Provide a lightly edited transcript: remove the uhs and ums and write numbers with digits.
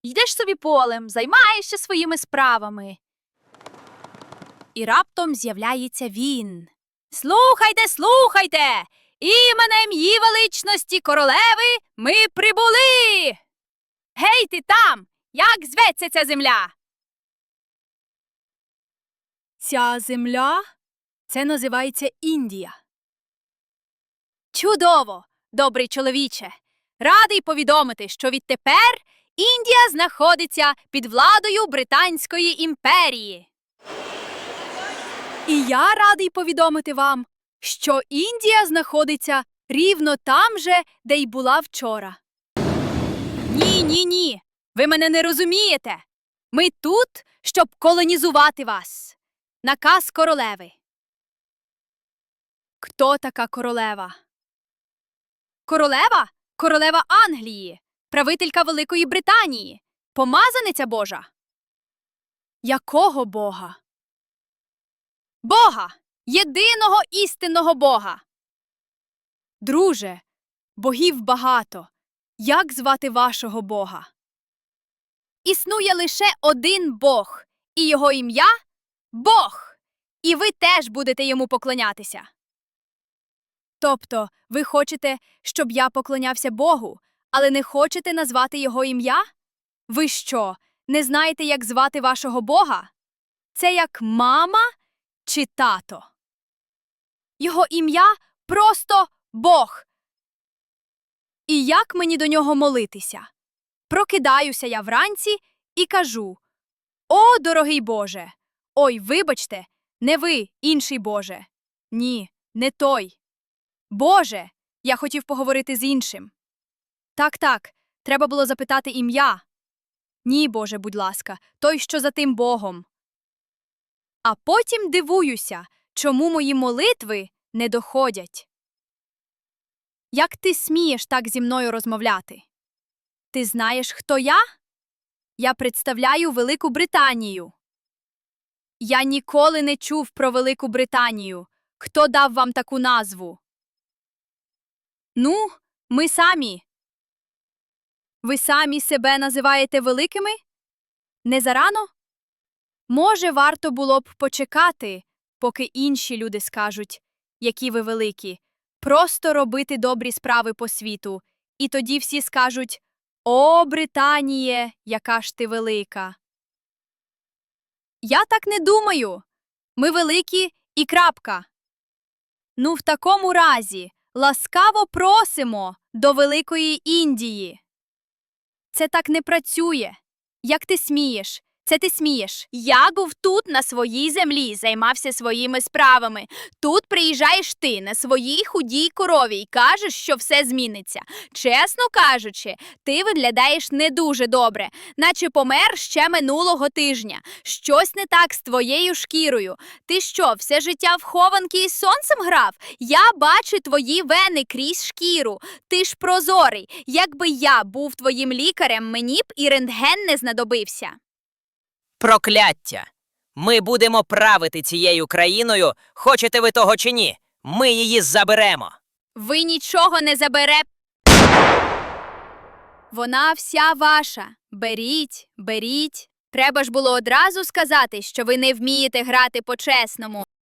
Йдеш собі полем, займаєшся своїми справами. І раптом з'являється він. Слухайте, слухайте! Іменем її величності королеви ми прибули! Гей, ти там! Як зветься ця земля? Ця земля? Це називається Індія. Чудово, добрий чоловіче! Радий повідомити, що відтепер Індія знаходиться під владою Британської імперії. І я радий повідомити вам, що Індія знаходиться рівно там же, де й була вчора. Ні, ви мене не розумієте. Ми тут, щоб колонізувати вас. Наказ королеви. Хто така королева? Королева? Королева Англії, правителька Великої Британії, помазаниця Божа. Якого Бога? Бога! Єдиного істинного Бога! Друже, богів багато. Як звати вашого Бога? Існує лише один Бог, і його ім'я – Бог. І ви теж будете йому поклонятися. Тобто, ви хочете, щоб я поклонявся Богу, але не хочете назвати його ім'я? Ви що, не знаєте, як звати вашого Бога? Це як мама чи тато? Його ім'я просто Бог. І як мені до нього молитися? Прокидаюся я вранці і кажу: «О, дорогий Боже! Ой, вибачте, не ви, інший Боже. Ні, не той. Боже, я хотів поговорити з іншим. Так, треба було запитати ім'я. Ні, Боже, будь ласка, той, що за тим Богом». А потім дивуюся, чому мої молитви не доходять. Як ти смієш так зі мною розмовляти? Ти знаєш, хто я? Я представляю Велику Британію. Я ніколи не чув про Велику Британію. Хто дав вам таку назву? Ну, ми самі. Ви самі себе називаєте великими? Не зарано? Може, варто було б почекати, поки інші люди скажуть, які ви великі, просто робити добрі справи по світу, і тоді всі скажуть: «О, Британіє, яка ж ти велика!» Я так не думаю. Ми великі і крапка. Ну, в такому разі, ласкаво просимо до Великої Індії. Це так не працює. Як ти смієш? Це ти смієш. Я був тут на своїй землі, займався своїми справами. Тут приїжджаєш ти на своїй худій корові і кажеш, що все зміниться. Чесно кажучи, ти виглядаєш не дуже добре, наче помер ще минулого тижня. Щось не так з твоєю шкірою. Ти що, все життя в хованки із сонцем грав? Я бачу твої вени крізь шкіру. Ти ж прозорий. Якби я був твоїм лікарем, мені б і рентген не знадобився. Прокляття! Ми будемо правити цією країною, хочете ви того чи ні. Ми її заберемо. Ви нічого не заберете. Вона вся ваша. Беріть, беріть. Треба ж було одразу сказати, що ви не вмієте грати по-чесному.